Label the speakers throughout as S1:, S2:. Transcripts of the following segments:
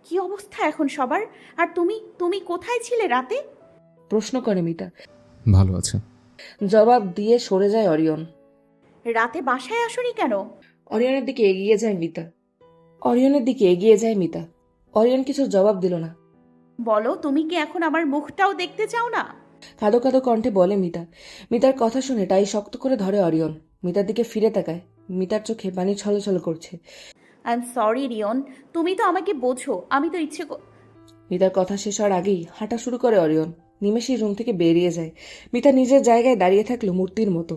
S1: কি অবস্থা এখন সবার? আর তুমি তুমি কোথায় ছিলে রাতে?
S2: প্রশ্ন করে মিতা।
S3: ভালো আছে।
S2: জবাব দিয়ে সরে যায় অরিয়ন।
S1: রাতে বাসায় আসোনি কেন?
S2: অরিয়নের দিকে এগিয়ে যায় মিতা। অরিয়নের দিকে এগিয়ে যায় মিতা। অরিয়ন কিছু জবাব দিল না।
S1: বলো, তুমি কি এখন আমার মুখটাও দেখতে চাও না?
S2: কাঁদো কাঁদো কণ্ঠে বলে মিতা। মিতার কথা শুনে টাই শক্ত করে ধরে অরিয়ন। মিতার দিকে ফিরে তাকায়। মিতার চোখে পানি ছলছল করছে।
S1: আই এম সরি রিয়ন, তুমি তো আমাকে বোঝো, আমি তো
S2: মিতার কথা শেষ হওয়ার আগেই হাঁটা শুরু করে অরিয়ন। নিমেষেই রুম থেকে বেরিয়ে যায়। মিতা নিজের জায়গায় দাঁড়িয়ে থাকলো মূর্তির মতো।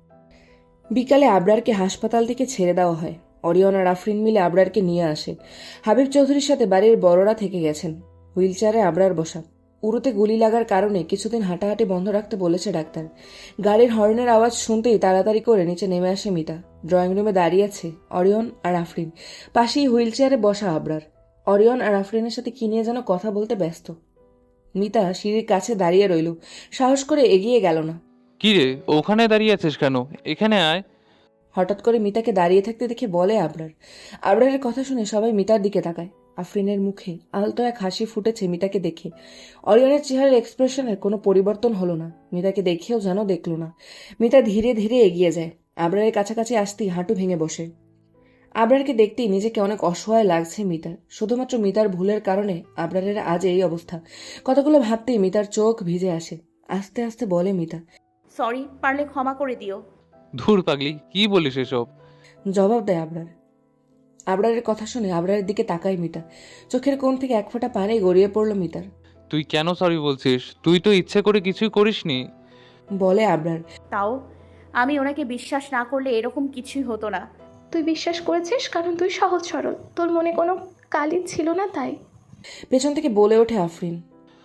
S2: বিকালে আবরারকে হাসপাতাল থেকে ছেড়ে দেওয়া হয়। অরিয়ন আর আফরিন মিলে আবরারকে নিয়ে আসে। হাবিব চৌধুরীর সাথে বাড়ির বড়রা থেকে গেছেন। হুইলচেয়ারে আবরার বসা। উরুতে গুলি লাগার কারণে কিছুদিন হাঁটাহাঁটি বন্ধ রাখতে বলেছে ডাক্তার। গাড়ির হর্নের আওয়াজ শুনতেই তাড়াতাড়ি করে নিচে নেমে আসে মিতা। ড্রয়িং রুমে দাঁড়িয়ে আছে অরিয়ন আর আফরিন। পাশেই হুইলচেয়ারে বসা আবরার। অরিয়ন আর আফরিনের সাথে কি নিয়ে যেন কথা বলতে ব্যস্ত। মিতা সিঁড়ির কাছে দাঁড়িয়ে রইল। সাহস করে এগিয়ে গেল না।
S4: কি রে, ওখানে দাঁড়িয়ে আছিস কেন? এখানে আয়।
S2: হঠাৎ করে মিতাকে দাঁড়িয়ে থাকতে দেখে বলে আবরার। আবরারের কথা শুনে সবাই মিতার দিকে তাকায়। আফরিনের মুখে আলতো এক হাসি ফুটেছে মিতাকে দেখে। অরিয়নের চেহারার এক্সপ্রেশনের কোনো পরিবর্তন হলো না। মিতাকে দেখেও যেন দেখল না। মিতা ধীরে ধীরে এগিয়ে যায়। আবরারের কাছাকাছি আসতেই হাঁটু ভেঙে বসে। আবরারকে দেখতেই নিজেকে অনেক অসহায় লাগছে মিতার। শুধুমাত্র মিতার ভুলের কারণে আবরারের আজ এই অবস্থা। কথাগুলো ভাবতেই মিতার চোখ ভিজে আসে। আস্তে আস্তে বলে মিতা।
S1: সরি, পারলে ক্ষমা করে দিও।
S4: ধুর পাগলি, কি বলিস এসব?
S2: জবাব দেয় আবরার। আবরারের কথা শুনে আবরারের দিকে তাকায় মিতা। চোখের কোণ থেকে এক ফোঁটা পানি গড়িয়ে পড়ল মিতার।
S4: তুই কেন সরি বলছিস? তুই তো ইচ্ছে করে কিছুই করিসনি।
S2: বলে আবরার।
S1: তাও আমি ওনাকে বিশ্বাস না করলে এরকম কিছুই হতো না।
S5: তুই বিশ্বাস করেছিস কারণ তুই সহজ সরল, তোর মনে কোনো কালি ছিল না তাই।
S2: পেছন থেকে বলে ওঠে আফরিন।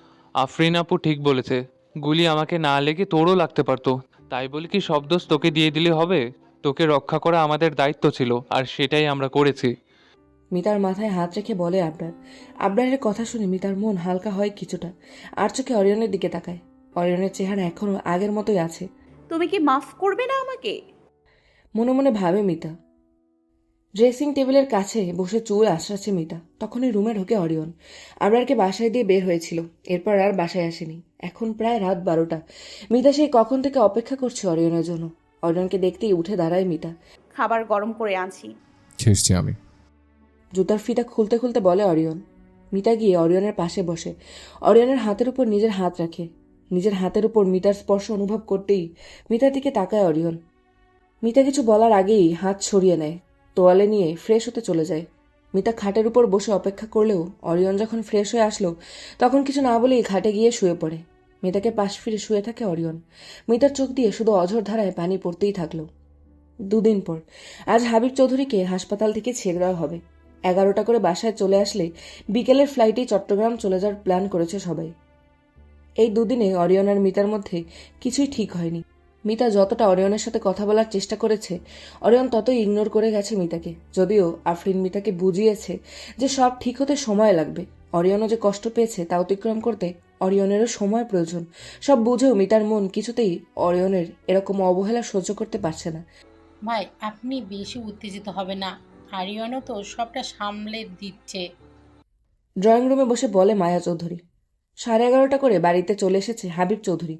S4: আফরিন আপু ঠিক বলেছে, গুলি আমাকে না লেগে তোরও লাগতে পারতো। তাই বলে কি সব দোষ তোকে দিয়ে দিলে হবে? তোকে রক্ষা করা আমাদের দায়িত্ব ছিল, আর সেটাই আমরা করেছি।
S2: মিতার মাথায় হাত রেখে বলে আবরার। আবরারের কথা শুনে মিতার মন হালকা হয় কিছুটা। আর চোখে অরিয়নের দিকে তাকায়। অরিয়নের চেহারা এখনো আগের মতোই আছে।
S1: তুমি কি মাফ করবে না আমাকে?
S2: মনে মনে ভাবে মিতা। ড্রেসিং টেবিলের কাছে বসে চুল আঁচড়াচ্ছে মিতা। তখনই রুমে ঢোকে অরিয়ন। আবরারকে বাসায় দিয়ে বের হয়েছিল। এরপর আর বাসায় আসেনি। এখন প্রায় রাত 12টা। মিতা সেই কখন থেকে অপেক্ষা করছে অরিয়নের জন্য। অরিয়নকে দেখতেই উঠে দাঁড়ায় মিতা।
S1: খাবার গরম করে আনছি।
S3: ছেড়ছি আমি।
S2: জুতার ফিতা খুলতে খুলতে বলে অরিয়ন। মিতা গিয়ে অরিয়নের পাশে বসে। অরিয়নের হাতের উপর নিজের হাত রাখে। নিজের হাতের উপর মিতার স্পর্শ অনুভব করতেই মিতার দিকে তাকায় অরিয়ন। মিতা কিছু বলার আগেই হাত সরিয়ে নেয়। তোয়ালে নিয়ে ফ্রেশ হতে চলে যায়। মিতা খাটের উপর বসে অপেক্ষা করলেও অরিয়ন যখন ফ্রেশ হয়ে আসলো তখন কিছু না বলেই খাটে গিয়ে শুয়ে পড়ে। মিতাকে পাশ ফিরে শুয়ে থাকে অরিয়ন। মিতার চোখ দিয়ে শুধু অঝোর ধারায় পানি পড়তেই থাকলো। 2 দিন পর আজ হাবিব চৌধুরীকে হাসপাতাল থেকে ছেড়ে দেওয়া হবে। 11টা করে বাসায় চলে আসলে বিকেলের ফ্লাইটে চট্টগ্রাম চলে যাওয়ার প্ল্যান করেছে সবাই। এই 2 দিনে অরিয়ন আর মিতার মধ্যে কিছুই ঠিক হয়নি। মিতা যতটা অরিয়নের সাথে কথা বলার চেষ্টা করেছে অরিয়ন ততই ইগনোর করে গেছে মিতাকে। যদিও আফরিন মিতাকে বুঝিয়েছে যে সব ঠিক হতে সময় লাগবে। অরিয়নও যে কষ্ট পেয়েছে তা অতিক্রম করতে অরিয়নেরও সময় প্রয়োজন। সব বুঝেও মিতার মন কিছুতেই অরিয়নের এরকম অবহেলা সহ্য করতে পারছে না।
S6: ভাই, আপনি বেশি উত্তেজিত হবে না। আরিয়ানও তো সবটা সামলে দিচ্ছে।
S2: ড্রয়িং রুমে বসে বলে মায়া চৌধুরী। 11:30 করে বাড়িতে চলে এসেছে হাবিব চৌধুরী।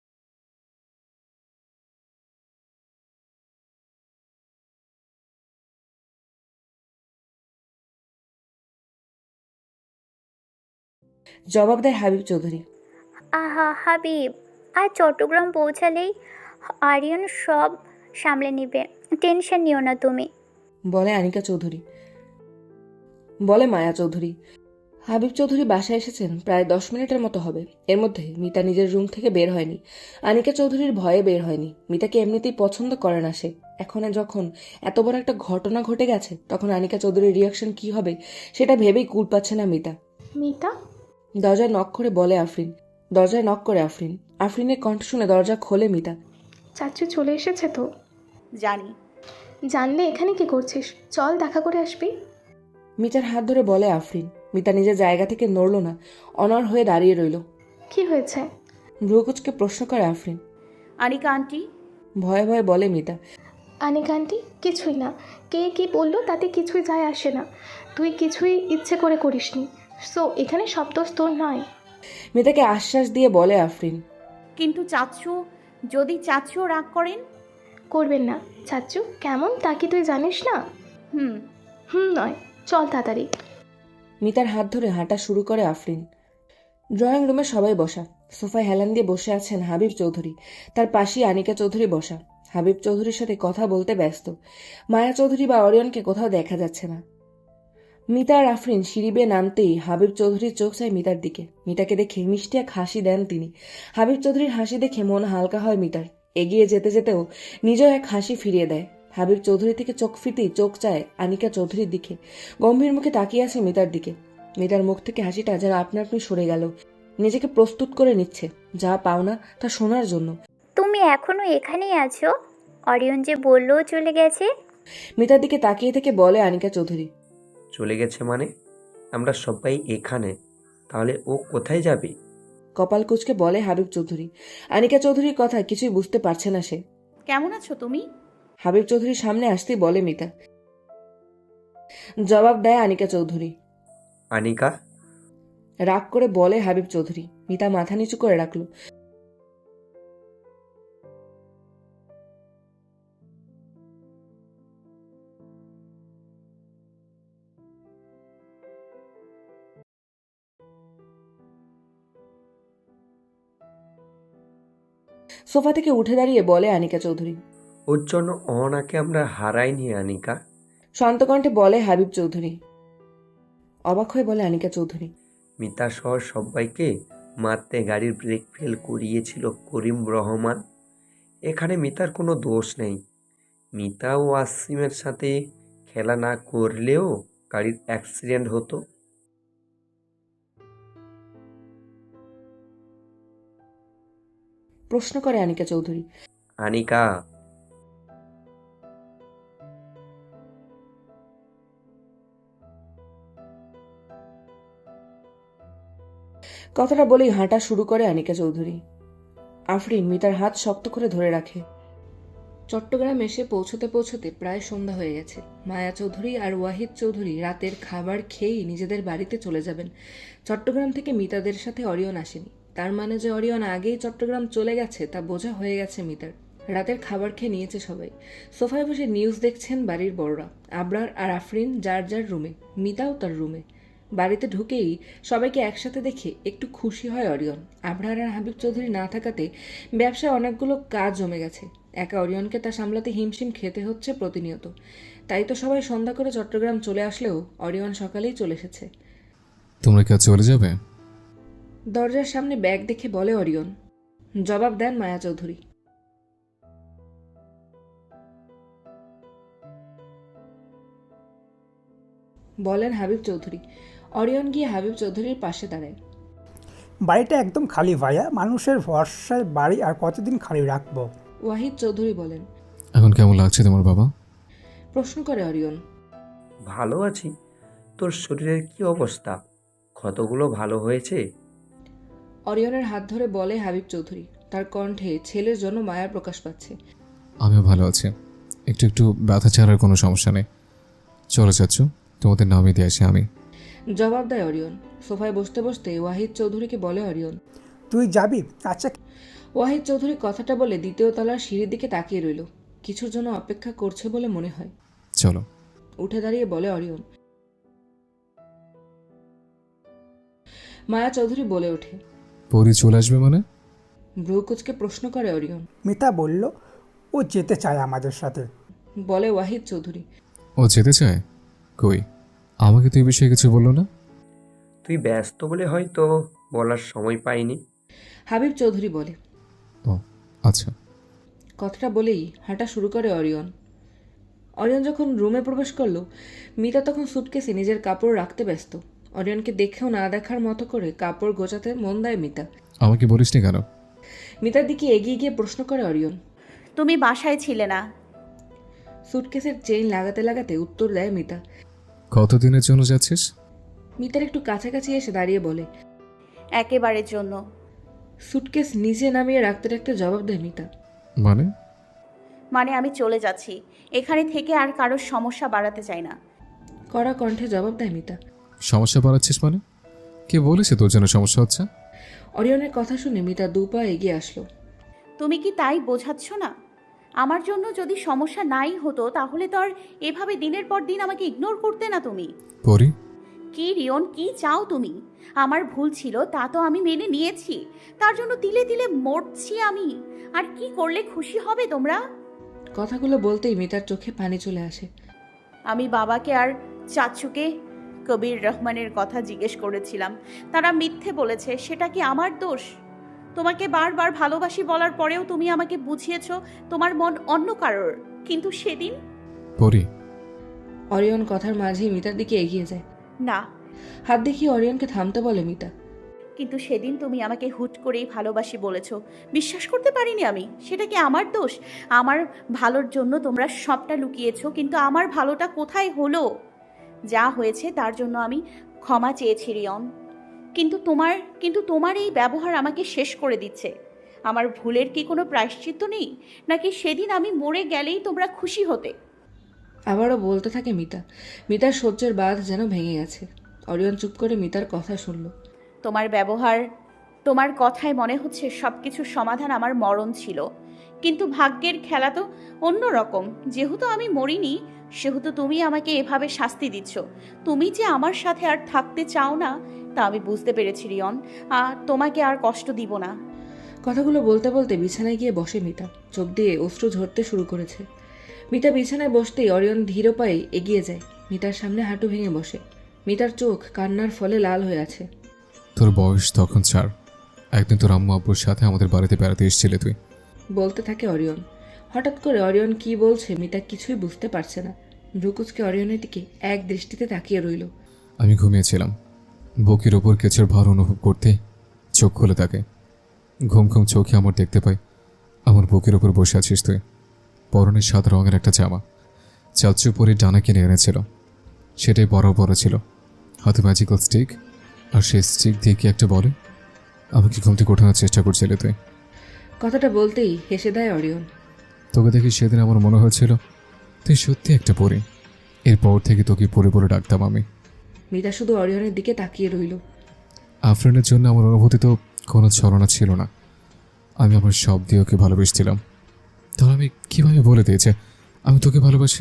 S2: জবাব দেয় হাবিব চৌধুরী।
S7: আহা হাবিব, আর চট্টগ্রাম পৌঁছালেই আরিয়ান সব সামলে নিবে, টেনশন নিও না তুমি।
S2: বলে আনিকা চৌধুরী। বলে মায়া চৌধুরী। হাবিব চৌধুরী বাসায় এসেছেন প্রায় 10 মিনিটের মতো হবে। এর মধ্যে মিতা নিজের রুম থেকে বের হয়নি। আনিকা চৌধুরীর ভয়ে বের হয়নি। মিতাকে এমনিতেই পছন্দ করে না সে। এখন যখন এত বড় একটা ঘটনা ঘটে গেছে তখন আনিকা চৌধুরীর রিয়াকশন কি হবে সেটা ভেবেই কুল পাচ্ছে না মিতা।
S5: মিতা,
S2: দরজায় নক করে বলে আফরিন। দরজায় নক করে আফরিন। আফরিনের কণ্ঠ শুনে দরজা খোলে মিতা।
S5: চাচু চলে এসেছে তো?
S1: জানি।
S5: জানলে এখানে কি করছিস? চল দেখা করে আসবি।
S2: মিতার হাত ধরে বলে আফরিন। মিতা নিজের জায়গা থেকে নড়ল না। অনড় হয়ে দাঁড়িয়ে রইল।
S5: কি হয়েছে?
S2: ভ্রুকুচকে প্রশ্ন করে আফরিন।
S1: আনিকা আন্টি।
S2: ভয়ে ভয়ে বলে মিতা।
S5: আনিকা আন্টি কিছুই না। কে কি বললো তাতে কিছুই যায় আসে না। তুই কিছুই ইচ্ছে করে করিসনি। সো এখানে সব দোষ তোর নয়।
S2: মিতাকে আশ্বাস দিয়ে বলে আফরিন।
S1: কিন্তু চাচ্ছু, যদি চাচ্ছুও রাগ করেন?
S5: করবেন না। চাচ্চু কেমন তা কি তুই জানিস না?
S1: হুম।
S5: নয়, চল তাড়াতাড়ি।
S2: মিতার হাত ধরে হাঁটা শুরু করে আফরিন। ড্রয়িং রুমে সবাই বসা। সোফায় হেলান দিয়ে বসে আছেন হাবিব চৌধুরী, তার পাশেই আনিকা চৌধুরী বসা। হাবিব চৌধুরীর সাথে কথা বলতে ব্যস্ত। মায়া চৌধুরী বা অরিয়নকে কোথাও দেখা যাচ্ছে না। মিতা আর আফরিন সিঁড়ি বেয়ে নামতেই হাবিব চৌধুরীর চোখ চায় মিতার দিকে। মিতাকে দেখে মিষ্টি এক হাসি দেন তিনি। হাবিব চৌধুরীর হাসি দেখে মন হালকা হয় মিতার। এগিয়ে যেতে যেতেও নিজেও এক হাসি ফিরিয়ে দেয়। হাবিব চৌধুরী থেকে চোখ ফিরতেই চোখ চায় আনিকা চৌধুরীর দিকে। গম্ভীর মুখে তাকিয়ে আছে মিতার দিকে। মিতার মুখ থেকে হাসিটা যেন আপনা আপনি সরে গেল। নিজেকে প্রস্তুত করে নিচ্ছে যা পাওনা তা শোনার জন্য।
S7: তুমি এখনো এখানেই আছো? অরিয়ন যে বললো চলে গেছে।
S2: মিতার দিকে তাকিয়ে থেকে বলে আনিকা চৌধুরী।
S8: চলে গেছে মানে? আমরা সবাই এখানে, তাহলে ও কোথায় যাবে?
S2: কপাল কুঁচকে বলে হাবিব চৌধুরী। আনিকা চৌধুরীর কথা কিছুই বুঝতে পারছে না সে।
S1: কেমন আছো তুমি?
S2: হাবিব চৌধুরীর সামনে আসতেই বলে মিতা। জবাব দেয় আনিকা চৌধুরী।
S8: আনিকা?
S2: রাগ করে বলে হাবিব চৌধুরী। মিতা মাথা নিচু করে রাখল। সোফা থেকে উঠে দাঁড়িয়ে বলে আনিকা চৌধুরী।
S8: ওর জন্য অহনাকে আমরা হারাইনি আনিকা।
S2: শান্ত কণ্ঠে বলে হাবিব চৌধুরী। অবাক হয়ে বলে আনিকা চৌধুরী।
S8: মিতা সহ সবাইকে মারতে গাড়ির ব্রেক ফেল করিয়েছিল করিম রহমান। এখানে মিতার কোনো দোষ নেই। মিতা ও আসিমের সাথে খেলা না করলেও গাড়ির অ্যাক্সিডেন্ট হতো।
S2: প্রশ্ন করে আনিকা চৌধুরী।
S8: আনিকা,
S2: কথাটা বলেই হাঁটা শুরু করে আনিকা চৌধুরী। আফরিন মিতার হাত শক্ত করে ধরে রাখে। চট্টগ্রাম এসে পৌঁছতে পৌঁছতে প্রায় সন্ধ্যা হয়ে গেছে। মায়া চৌধুরী আর ওয়াহিদ চৌধুরী রাতের খাবার খেয়েই নিজেদের বাড়িতে চলে যাবেন। চট্টগ্রাম থেকে মিতাদের সাথে অরিয়ন আসেনি। তার মানে যে অরিয়ন আগেই চট্টগ্রাম চলে গেছে তা বোঝা হয়ে গেছে মিতার। রাতের খাবার খেয়ে নিয়েছে সবাই। সোফায় বসে নিউজ দেখছেন বাড়ির বড়রা। আবরার আর আফরিন যার যার রুমে, মিতাও তার রুমে। বাড়িতে ঢুকেই সবাইকে একসাথে দেখে একটু খুশি হয় অরিয়ন। আবরার আর হাবিব চৌধুরী না থাকাতে ব্যবসায় অনেকগুলো কাজ জমে গেছে। একা অরিয়নকে তা সামলাতে হিমশিম খেতে হচ্ছে প্রতিনিয়ত। তাই তো সবাই সন্ধ্যা করে চট্টগ্রাম চলে আসলেও অরিয়ন সকালেই চলে এসেছে।
S3: তোমরা কি আজ চলে যাবে?
S2: দরজার সামনে ব্যাগ দেখে বলে অরিয়ন। জবাব দেন মায়া চৌধুরী। বলেন হাবিব চৌধুরী। অরিয়ন গিয়ে হাবিব চৌধুরীর পাশে দাঁড়ায়।
S9: বাড়িটা একদম খালি ভাইয়া, মানুষের ভরসায় বাড়ি আর কতদিন খালি রাখবো?
S2: ওয়াহিদ চৌধুরী বলেন।
S3: এখন কেমন লাগছে তোমার বাবা?
S2: প্রশ্ন করে অরিয়ন।
S8: ভালো আছি। তোর শরীরের কি অবস্থা? ক্ষতগুলো ভালো হয়েছে?
S2: অরিয়নের হাত ধরে বলে হাবিব চৌধুরী। তার কণ্ঠে ছেলের জন্য মায়ার প্রকাশ পাচ্ছে।
S3: আমিও ভালো আছি। একটু একটু ব্যথা ছাড়ার কোনো সমস্যা নেই। চলো চাচ্ছু, তোমাদের নামিয়ে দিয়ে আসি আমি।
S2: জবাব দেয় অরিয়ন। সোফায় বসতে বসতে ওয়াহিদ চৌধুরীকে বলে অরিয়ন।
S9: তুই যাবি? আচ্ছা।
S2: ওয়াহিদ চৌধুরী কথাটা বলে দ্বিতীয় তলার সিঁড়ির দিকে তাকিয়ে রইল। কিছুর জন্য অপেক্ষা করছে বলে মনে হয়।
S3: চলো।
S2: উঠে দাঁড়িয়ে বলে অরিয়ন। মায়া চৌধুরী বলে ওঠে।
S3: পরি চলে আসবে মানে?
S2: ভ্রু কুচকে প্রশ্ন করে অরিয়ন।
S9: মিতা বলল ও যেতে চায় আমাদের সাথে।
S2: বলে ওয়াহিদ চৌধুরী।
S3: ও যেতে চায়? কই, আমাকে তো এই বিষয়ে কিছু বললো না।
S8: তুই ব্যস্ত বলে হয়তো বলার সময় পাইনি।
S2: হাবিব চৌধুরী বলে।
S3: ও আচ্ছা।
S2: কথাটা বলেই হাঁটা শুরু করে অরিয়ন। অরিয়ন যখন রুমে প্রবেশ করলো, মিতা তখন সুটকেসে নিজের কাপড় রাখতে ব্যস্ত। অরিয়নকে দেখেও না দেখার মতো করে কাপড় গোছাতে মন দেয় মিতা।
S3: আমাকে বলিসনি কেন?
S2: মিতার দিকে এগিয়ে গিয়ে প্রশ্ন করে অরিয়ন।
S1: তুমি বাসায় ছিলে না।
S2: সুটকেসের চেইন লাগাতে লাগাতে উত্তর দেয় মিতা।
S3: কতদিনের জন্য যাচ্ছিস?
S2: মিতার একটু কাছাকাছি এসে দাঁড়িয়ে বলে।
S1: একেবারের জন্য।
S2: সুটকেস নিচে নামিয়ে রাখতে রাখতে জবাব দেয় মিতা।
S1: মানে আমি চলে যাচ্ছি। এখানে থেকে আর কারোর সমস্যা বাড়াতে চাই না।
S2: কড়া কণ্ঠে জবাব দেয় মিতা।
S3: সমস্যা বাড়াচ্ছিস মানে? কে বলেছে তোর জন্য সমস্যা হচ্ছে?
S2: অরিয়নের কথা শুনে মিতা দু পা এগিয়ে আসলো।
S1: তুমি কি তাই বোঝাচ্ছ না? আমার জন্য যদি সমস্যা নাই হতো তাহলে তো আর এভাবে দিনের পর দিন আমাকে ইগনোর করতে না তুমি।
S3: পরি,
S1: কি রিয়ন, কি চাও তুমি? আমার ভুল ছিল তা তো আমি মেনে নিয়েছি, তার জন্য তিলে তিলে মরছি আমি। আর কি করলে খুশি হবে তোমরা?
S2: কথাগুলো বলতেই মিতার চোখে পানি চলে আসে।
S1: আমি বাবাকে আর চাচুকে কবির রহমানের কথা জিজ্ঞেস করেছিলাম, তারা মিথ্যে বলেছে। সেটা কি আমার দোষ? তোমাকে বারবার ভালোবাসি বলার পরেও তুমি আমাকে বুঝিয়েছো তোমার মন অন্য কারোর, কিন্তু সেদিন
S3: পরি,
S2: অরিয়ন কথার মাঝেই মিতার দিকে এগিয়ে যায়।
S1: না।
S2: হাত দেখিয়ে অরিয়নকে থামতে বলে মিতা।
S1: কিন্তু সেদিন তুমি আমাকে হুট করেই ভালোবাসি বলেছো, বিশ্বাস করতে পারিনি আমি। সেটা কি আমার দোষ? আমার ভালোর জন্য তোমরা সবটা লুকিয়েছো, কিন্তু আমার ভালোটা কোথায় হলো? যা হয়েছে তার জন্য আমি ক্ষমা চেয়েছি রিয়ন, কিন্তু তোমার এই ব্যবহার আমাকে শেষ করে দিচ্ছে। আমার ভুলের কি কোনো প্রায়শ্চিত্ত নেই? নাকি সেদিন আমি মরে গেলেই তোমরা খুশি হতে?
S2: আবারও বলতে থাকে মিতা। মিতার সহ্যের বাঁধ যেন ভেঙে গেছে। অরিয়ন চুপ করে মিতার কথা শুনল।
S1: তোমার ব্যবহার, তোমার কথায় মনে হচ্ছে সব কিছুর সমাধান আমার মরণ ছিল, কিন্তু ভাগ্যের খেলা তো অন্য রকম। যেহেতু আমি মরিনি, সেহেতু তুমি আমাকে এভাবে শাস্তি দিচ্ছ। তুমি যে আমার সাথে আর থাকতে চাও না তা আমি বুঝতে পেরেছি রিয়ন। তোমাকে আর কষ্ট দিব না।
S2: কথাগুলো বলতে বলতে বিছানায় গিয়ে বসে মিতা। চোখ দিয়ে অশ্রু ঝরতে শুরু করেছে। মিতা বিছানায় বসতেই অরিয়ন ধীর পায়ে এগিয়ে যায়। মিতার সামনে হাঁটু ভেঙে বসে। মিতার চোখ কান্নার ফলে লাল হয়ে আছে।
S3: তোর বয়স তখন 4। একদিন তোর আম্মু আব্বুর সাথে আমাদের বাড়িতে বেড়াতে এসেছিলে তুই।
S2: বলতে থাকে অরিয়ন। হঠাৎ করে অরিয়ন কি বলছে মিতা কিছুই বুঝতে পারছে না। ভ্রুকুচকে অরিয়নের দিকে এক দৃষ্টিতে তাকিয়ে রইল।
S3: আমি ঘুমিয়েছিলাম, বুকের ওপর কেঁচোর ভার অনুভব করতে চোখ খুলে থাকে। ঘুম ঘুম চোখে আমার দেখতে পাই আমার বুকের ওপর বসে আছিস তুই। পরনে সাদা রঙের একটা জামা চাচু পরে ডানা কিনে এনেছিল, সেটাই বড় বড় ছিল। হাতে ম্যাজিক্যাল স্টিক, আর সেই স্টিক দিয়ে কি একটা বলে। আমাকে ঘুম থেকে ওঠানোর চেষ্টা করছিলে তুই।
S2: কথাটা বলতেই হেসে দেয় অরিয়ন।
S3: তোকে দেখি সেদিন আমার মনে হয়েছিল তুই সত্যি একটা পরী। এরপর থেকে তোকে পরে পরে ডাকতাম আমি।
S2: মিতা শুধু অরিয়নের দিকে তাকিয়ে রইল।
S3: আফরিনের জন্য আমার অনুভূতি তো কোনো ছলনা ছিল না। আমি আমার সব দিয়ে ওকে ভালোবেসেছিলাম। তাহলে আমি কীভাবে বলে দিয়েছে আমি তোকে ভালোবাসি?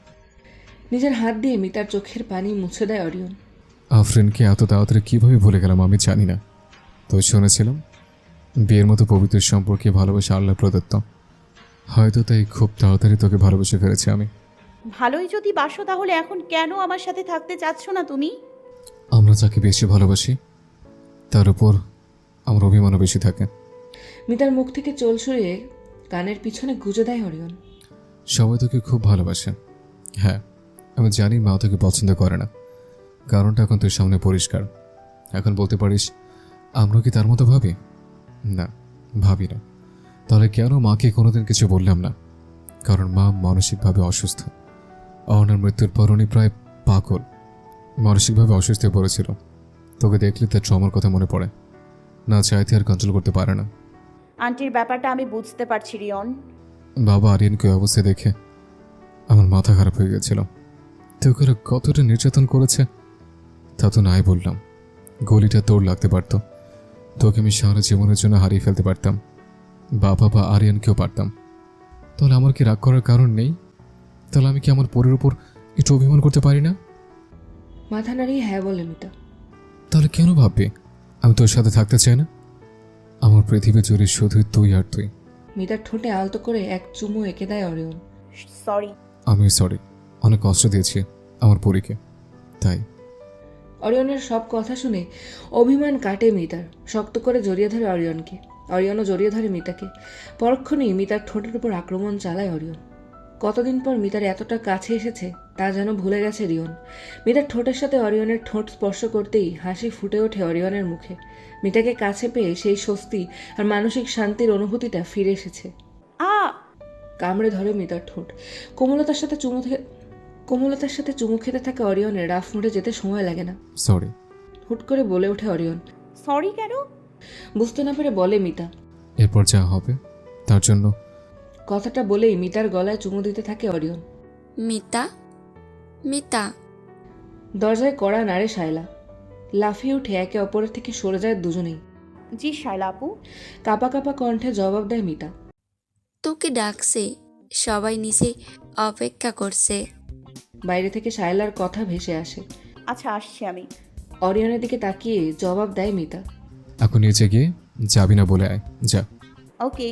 S2: নিজের হাত দিয়ে মিতার চোখের পানি মুছে দেয় অরিয়ন।
S3: আফরিনকে এত তাড়াতাড়ি কীভাবে ভুলে গেলাম আমি জানি না। তো শুনেছিলাম বিয়ের মতো পবিত্র সম্পর্কে ভালোবাসা আল্লাহ প্রদত্ত। হয়তো তাই খুব তাড়াতাড়ি তোকে ভালোবেসে ফেলেছি আমি।
S1: ভালোই যদি বাসো তাহলে এখন কেন আমার সাথে থাকতে চাচ্ছ না তুমি?
S3: আমরা যাকে বেশি ভালোবাসি তার উপর আমার অভিমানও বেশি থাকে।
S2: মিতার মুখ থেকে চোল সরিয়ে কানের পিছনে গুজে দেয় অরিয়ন।
S3: সবাই তোকে খুব ভালোবাসে। হ্যাঁ, আমি জানি মা তোকে পছন্দ করে না। কারণটা এখন তোর সামনে পরিষ্কার। এখন বলতে পারিস আমরা কি তার মতো ভাবি? না, ভাবি না। তাহলে কেন মাকে কোনোদিন কিছু বললাম না? কারণ মা মানসিকভাবে অসুস্থ। অহনার মৃত্যুর পর উনি প্রায় পাগল, মানসিকভাবে অসুস্থ হয়ে পড়েছিল। তোকে দেখলে তার ট্রমার কথা মনে পড়ে, না চাইতে আর কন্ট্রোল করতে পারে না।
S1: আন্টির ব্যাপারটা আমি বুঝতে পারছি রিয়ন।
S3: বাবা আরিয়ানকে ওই অবস্থায় দেখে আমার মাথা খারাপ হয়ে গেছিল। তোকে ওরা কতটা নির্যাতন করেছে তা তো নাই বললাম। গলিটা তোর লাগতে পারতো, তোকে আমি সারা জীবনের জন্য হারিয়ে ফেলতে পারতাম। বাবা বা আরিয়ানকেও পারতাম। তাহলে আমার কি রাগ করার কারণ নেই? তাহলে আমি কি আমার পরের উপর একটু অভিমান করতে পারি না?
S2: মাথা নাড়িয়ে হ্যাঁ বলে মিতা।
S3: তাহলে কেন ভাববি আমি তোর সাথে থাকতে চাই না? আমার পৃথিবী জুড়ে শুধুই তুই আর তুই।
S2: মিতার ঠোঁটে আলতো করে এক চুমু এঁকে দেয় অরিয়ন।
S1: সরি।
S3: আমি সরি, অনেক কষ্ট দিয়েছি আমার পরীকে, তাই।
S2: অরিয়নের সব কথা শুনে অভিমান কাটে মিতার। শক্ত করে জড়িয়ে ধরে অরিয়নকে। অরিয়নও জড়িয়ে ধরে মিতাকে। পরক্ষণেই মিতার ঠোঁটের উপর আক্রমণ চালায় অরিয়ন। কতদিন পর মিতার এতটা কাছে এসেছে তা যেন ভুলে গেছে রিয়ন। মিতার ঠোঁটের সাথে অরিয়নের ঠোঁট স্পর্শ করতেই হাসি ফুটে ওঠে অরিয়নের মুখে। মিতাকে কাছে পেয়ে সেই স্বস্তি আর মানসিক শান্তির অনুভূতিটা ফিরে এসেছে। কামড়ে ধরে মিতার ঠোঁট। কোমলতার সাথে চুমু খেতে থাকা অরিয়নের রাফ মুড়ে যেতে সময় লাগে না।
S3: সরি।
S2: হুট করে বলে ওঠে অরিয়ন।
S1: সরি কেন?
S2: বুঝতে না পেরে বলে মিতা।
S3: এরপর যা হবে তার জন্য।
S2: কথাটা বলেই মিতার গলায় চুমু দিতে থাকে অরিয়ন।
S10: মিতা, মিতা।
S2: দরজায় কড়া নাড়ে শায়লা। লাফিয়ে উঠে একে অপরের থেকে সরে যায় দুজনেই।
S1: জি শায়লা আপু।
S2: কাপা কাপা কণ্ঠে জবাব দেয় মিতা।
S10: তোকে ডাকছে, সবাই নিচে অপেক্ষা করছে।
S2: বাইরে থেকে শায়লার কথা ভেসে আসে।
S1: আচ্ছা আসছি আমি।
S2: অরিয়নের দিকে তাকিয়ে জবাব দেয় মিতা।
S3: এখন নিচে গিয়ে যাবি না বলে আয়, যা।
S1: ওকে।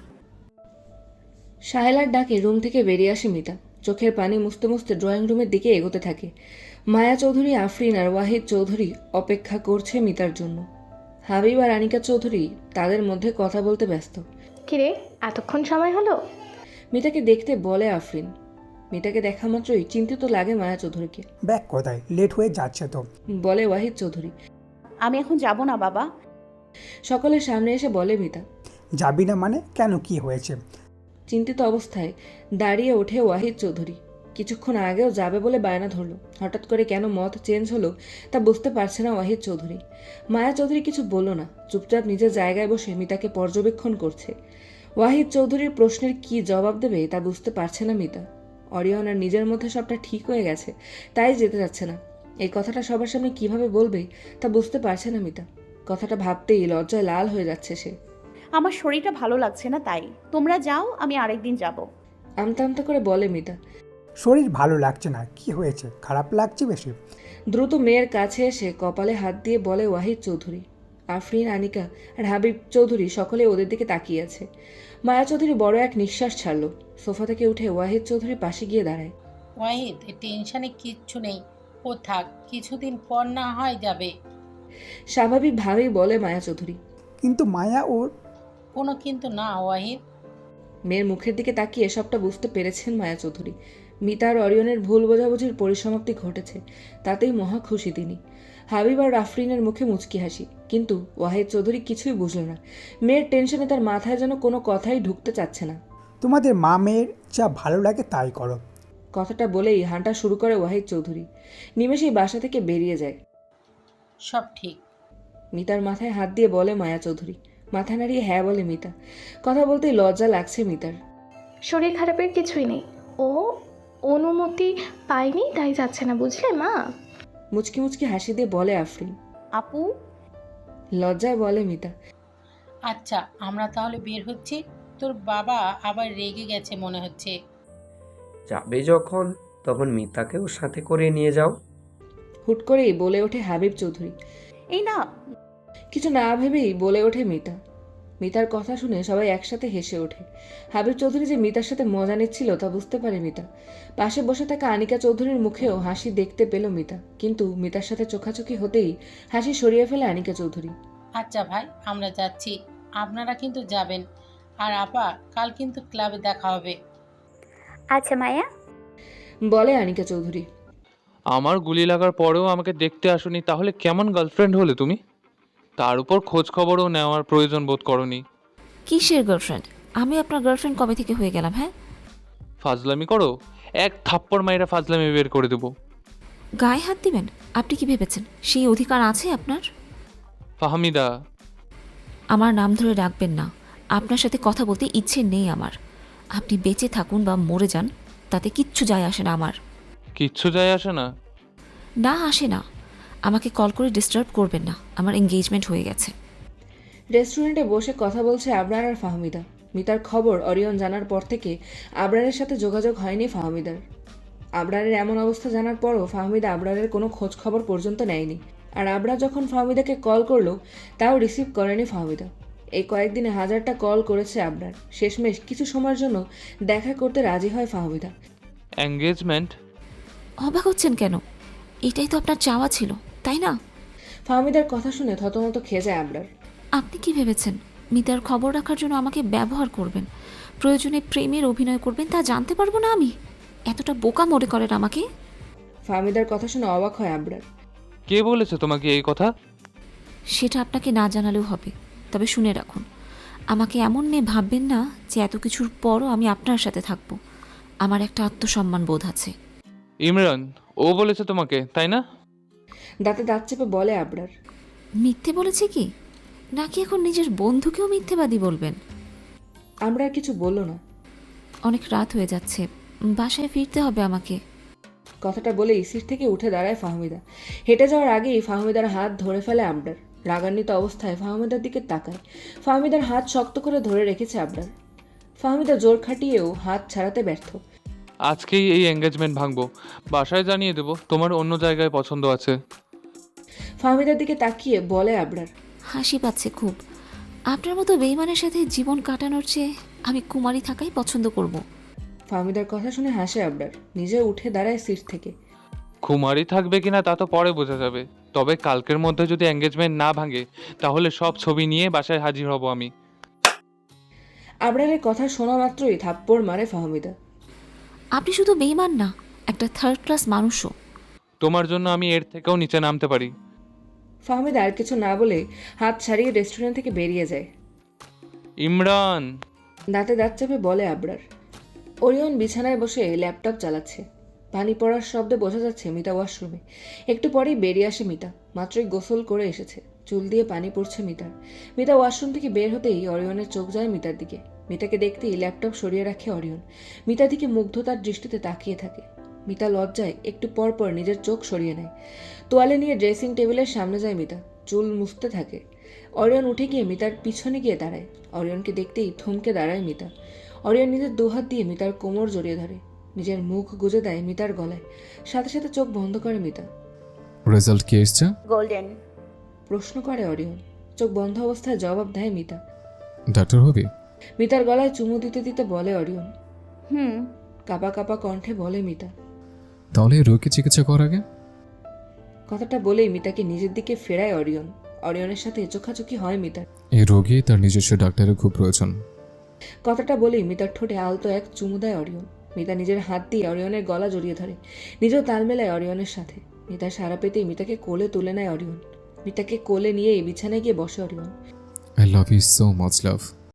S2: শায়লার ডাকে রুম থেকে বেরিয়ে আসে মিতা। চোখের পানি মুছতে মুছতে ড্রয়িং রুমের দিকে এগোতে থাকে। মায়া চৌধুরী, আফরিন আর ওয়াহিদ চৌধুরী অপেক্ষা করছে মিতার জন্য। হাবিব আর আনিকা চৌধুরী তাদের মধ্যে কথা বলতে ব্যস্ত।
S5: কিরে, এতক্ষণ সময় হলো?
S2: মিতাকে দেখতে বলে আফরিন। মিতাকে দেখা মাত্রই চিন্তিত লাগে মায়া চৌধুরীকে।
S9: ব্যাগ কোথায়? লেট হয়ে যাচ্ছে তো।
S2: বলে ওয়াহিদ চৌধুরী।
S1: আমি এখন যাব না বাবা।
S2: সকলের সামনে এসে বলে মিতা।
S9: যাবি না মানে? কেন, কি হয়েছে?
S2: চিন্তিত অবস্থায় দাঁড়িয়ে ওঠে ওয়াহিদ চৌধুরী। কিছুক্ষণ আগেও যাবে বলে বায়না ধরল, হঠাৎ করে কেন মত চেঞ্জ হলো তা বুঝতে পারছে না ওয়াহিদ চৌধুরী। মায়া চৌধুরী কিছু বলল না, চুপচাপ নিজের জায়গায় বসে মিতাকে পর্যবেক্ষণ করছে। ওয়াহিদ চৌধুরীর প্রশ্নের কি জবাব দেবে তা বুঝতে পারছে না মিতা। অরিয়ন আর নিজের মধ্যে সবটা ঠিক হয়ে গেছে, তাই যেতে যাচ্ছে না। এই কথাটা সবার সামনে কিভাবে বলবে তা বুঝতে পারছে না মিতা। কথাটা ভাবতেই লজ্জায় লাল হয়ে যাচ্ছে সে।
S1: আমার শরীরটা ভালো লাগছে না, তাই তোমরা যাও, আমি আরেকদিন যাব।
S2: আমতা আমতা করে বলে মিতা।
S9: শরীর ভালো লাগছে না? কি হয়েছে? খারাপ লাগছে বেশি?
S2: দ্রুত মেয়ের কাছে এসে কপালে হাত দিয়ে বলে ওয়াহিদ চৌধুরী। আফরিন, আনিকা আর হাবিব চৌধুরী সকলে ওদের দিকে তাকিয়ে আছে। মায়া চৌধুরী বড় এক নিঃশ্বাস ছাড়ল। সোফা থেকে উঠে ওয়াহিদ চৌধুরী পাশে গিয়ে দাঁড়ায়।
S6: ওয়াহিদ, টেনশনে কিচ্ছু নেই, ও থাক, কিছুদিন পর না হয় যাবে।
S2: স্বাভাবিকভাবেই বলে মায়া চৌধুরী।
S9: কিন্তু মায়া ওর...
S6: কোনো কিন্তু না ওয়াহিদ।
S2: মেয়ের মুখের দিকে তাকিয়ে সবটা বুঝতে পেরেছেন মায়া চৌধুরী। মিতা আর অরিয়নের ভুল বোঝাবুঝির পরিসমাপ্তি ঘটেছে, তাতেই মহা খুশি তিনি। হাবিব আর আফরিনের মুখে মুচকি হাসি, কিন্তু ওয়াহিদ চৌধুরী কিছুই বুঝল না। মেয়ের টেনশনে তার মাথায় যেন কোনো কথাই ঢুকতে চাচ্ছে না।
S9: তোমাদের মা মেয়ের যা ভালো লাগে তাই করো।
S2: কথাটা বলেই হাঁটা শুরু করে ওয়াহিদ চৌধুরী। নিমেষেই বাসা থেকে বেরিয়ে যায়।
S6: সব ঠিক।
S2: মিতার মাথায় হাত দিয়ে বলে মায়া চৌধুরী। মাথা নাড়িয়ে হ্যাঁ বলে মিতা। কথা বলতেই লজ্জা লাগছে মিতার।
S5: শরীর খারাপের কিছুই নেই, ও অনুমতি পায়নি তাই যাচ্ছে না, বুঝলে মা?
S2: মুচকি মুচকি হাসি দিয়ে বলে আফরিন।
S1: আপু।
S2: লজ্জায় বলে মিতা।
S6: আচ্ছা, আমরা তাহলে বের হচ্ছি। তোর বাবা আবার রেগে গেছে মনে হচ্ছে।
S8: যাবে যখন, তখন মিতাকেও সাথে করে নিয়ে যাও।
S2: হুট করেই বলে ওঠে হাবিব চৌধুরী।
S1: এই না।
S2: কিছু না ভেবেই বলে ওঠে মিতা। মিতার কথা শুনে সবাই একসাথে হেসে ওঠে। হাবিব চৌধুরী যে মিতার সাথে মজা নিচ্ছিল তা বুঝতে পারে মিতা। পাশে বসে থাকা আনিকা চৌধুরীর মুখেও হাসি দেখতে পেল মিতা, কিন্তু মিতার সাথে চোখাচোখি হতেই হাসি সরিয়ে ফেলে আনিকা চৌধুরী।
S6: আচ্ছা ভাই, আমরা যাচ্ছি, আপনারা কিন্তু যাবেন। আর আপা, কাল কিন্তু ক্লাবে দেখা হবে।
S7: আচ্ছা মায়া।
S2: বলে আনিকা চৌধুরী।
S4: আমার গুলি লাগার পরেও আমাকে দেখতে আসোনি, তাহলে কেমন গার্লফ্রেন্ড হলে তুমি? তার উপর খোঁজ খবরও নেওয়ার প্রয়োজন বোধ করনি।
S11: কিসের গার্লফ্রেন্ড? আমি আপনার গার্লফ্রেন্ড কবে থেকে হয়ে গেলাম? হ্যাঁ,
S4: ফাজলামি করো, এক থাপ্পড় মাইরা ফাজলামি বের করে দেবো।
S11: গায়ে হাত দিবেন? আপনি কি ভেবেছেন সেই অধিকার আছে আপনার?
S4: ফাহমিদা।
S11: আমার নাম ধরে ডাকবেন না। আপনার সাথে কথা বলতে ইচ্ছে নেই আমার। আপনি বেঁচে থাকুন বা মরে যান, তাতে কিচ্ছু যায় আসে না আমার।
S4: কিচ্ছু যায় আসে না?
S11: না, আসে না। আমাকে কল করে ডিস্টার্ব করবেন না, আমার এঙ্গেজমেন্ট হয়ে গেছে।
S2: রেস্টুরেন্টে বসে কথা বলছে আবরার আর ফাহমিদা। মিতার খবর অরিয়ন জানার পর থেকে আবরারের সাথে যোগাযোগ হয়নি ফাহমিদার। আবরারের এমন অবস্থা জানার পরও ফাহমিদা আবরারের কোনো খোঁজ খবর পর্যন্ত নেয়নি। আর আবরার যখন ফাহমিদাকে কল করলো তাও রিসিভ করেনি ফাহমিদা। এই কয়েকদিনে হাজারটা কল করেছে আবরার। শেষমেশ কিছু সময়ের জন্য দেখা করতে রাজি হয় ফাহমিদা।
S4: এঙ্গেজমেন্ট?
S11: অবাক হচ্ছেন কেন? এটাই তো আপনার চাওয়া ছিল, তাই না?
S2: ফাহমিদার কথা শুনে থতমত খেয়ে যায় আবরার।
S11: আপনি কি ভেবেছেন মিতার খবর রাখার জন্য আমাকে ব্যবহার করবেন, প্রয়োজনে প্রেমের অভিনয় করবেন, তা জানতে পারবো না আমি? এতটা বোকা মনে করেন আমাকে?
S2: ফাহমিদার কথা শুনে অবাক হয় আবরার।
S4: কে বলেছে তোমাকে এই কথা?
S11: সেটা আপনাকে না জানালেও হবে, তবে শুনে রাখুন, আমাকে এমন মেয়ে ভাববেন না যে এত কিছুর পরও আমি আপনার সাথে থাকবো। আমার একটা আত্মসম্মান বোধ আছে।
S4: ইমরান, ও বলেছে তোমাকে, তাই না?
S2: দাঁতে দাঁত চেপে বলে আবরার।
S11: মিথ্যে বলেছে কি? নাকি এখন নিজের বন্ধুকেও মিথ্যেবাদী বলবেন?
S2: আবরার কিছু বলল না।
S11: অনেক রাত হয়ে যাচ্ছে, বাসায় ফিরতে হবে আমাকে।
S2: কথাটা বলেই সিট থেকে উঠে দাঁড়ায় ফাহমিদা। হেঁটে যাওয়ার আগেই ফাহমিদার হাত ধরে ফেলে আবরার। রাগান্বিত অবস্থায় ফাহমিদার দিকে তাকায়। ফাহমিদার হাত শক্ত করে ধরে রেখেছে আবরার। ফাহমিদা জোর খাটিয়েও হাত ছাড়াতে ব্যর্থ।
S4: আজকেই এই এঙ্গেজমেন্ট ভাঙবো, বাসায় জানিয়ে দেবো তোমার অন্য জায়গায় পছন্দ আছে।
S2: ফাহমিদার দিকে তাকিয়ে বলে আবরার।
S11: হাসি পাচ্ছে খুব। আপনার মতো বেইমানের সাথে জীবন কাটানোর চেয়ে আমি কুমারী থাকাই পছন্দ করব।
S2: ফাহমিদার কথা শুনে হাসে আবরার। নিজে উঠে দাঁড়ায় সিট থেকে।
S4: কুমারী থাকবে কিনা তা তো পরে বোঝা যাবে, তবে কালকের মধ্যে যদি এঙ্গেজমেন্ট না ভাঙে তাহলে সব ছবি নিয়ে বাসায় হাজির হব আমি।
S2: আবরারের কথা শোনা মাত্রই থাপ্পড় মারে ফাহমিদা।
S11: আপনি শুধু বেইমান না, একটা থার্ড ক্লাস মানুষও।
S4: তোমার জন্য আমি এর থেকেও নিচে নামতে পারি।
S2: ফাহমিদা আর কিছু না বলে হাত ছাড়িয়ে রেস্টুরেন্ট থেকে বেরিয়ে যায়।
S4: ইমরান,
S2: দাঁতে দাঁত চেপে বলে আবরার। ওরিয়ন বিছানায় বসে ল্যাপটপ চালাচ্ছে। পানি পড়ার শব্দে বোঝা যাচ্ছে মিতা ওয়াশরুমে। একটু পরেই বেরিয়ে আসে মিতা। মাত্রই গোসল করে এসেছে, চুল দিয়ে পানি পড়ছে মিতার। মিতা ওয়াশরুম থেকে বের হতেই অরিয়নের চোখ যায় মিতার দিকে। মিতাকে দেখতেই ল্যাপটপ সরিয়ে রাখে অরিয়ন। মিতার দিকে মুগ্ধতার দৃষ্টিতে তাকিয়ে থাকে। মিতা লজ্জায় একটু পর পর নিজের চোখ সরিয়ে নেয়। তোয়ালে নিয়ে ড্রেসিং টেবিলের সামনে যায় মিতা, চুল মুছতে থাকে। অরিয়ন উঠে গিয়ে মিতার পিছনে গিয়ে দাঁড়ায়। অরিয়নকে দেখতেই থমকে দাঁড়ায় মিতা। অরিয়ন নিজের দুহাত দিয়ে মিতার কোমর জড়িয়ে ধরে, নিজের মুখ গুজে দেয় মিতার গলায়। সাথে সাথে চোখ বন্ধ করে মিতা।
S3: রেজাল্ট কি এসছে?
S1: গোল্ডেন।
S2: প্রশ্ন করে অরিয়ন। চোখ বন্ধ অবস্থায় জবাব দেয় মিতা।
S3: ডাক্তার হবি?
S2: মিতার গলায় চুমু দিতে দিতে বলে অরিয়ন।
S1: হুম।
S2: কাঁপা কাঁপা কণ্ঠে বলে মিতা।
S3: তাহলে রোগী চিকিৎসা করার আগে?
S2: কথাটা বলেই মিতাকে নিজের দিকে ফেরায় অরিয়ন। অরিয়নের সাথে চোখাচোখি হয় মিতার।
S3: এই রোগী তার নিজস্ব ডাক্তারের খুব প্রয়োজন।
S2: কথাটা বলেই মিতার ঠোঁটে আলতো এক চুমু দেয় অরিয়ন। মিতা নিজের হাত দিয়ে অরিয়নের গলা জড়িয়ে ধরে, নিজেও তাল মেলায় অরিয়নের সাথে। মিতা সারা পেতেই মিতাকে কোলে তুলে নেয় অরিয়ন। মিতাকে কোলে নিয়ে বিছানায় গিয়ে বসে Orion.
S3: I love you so much love.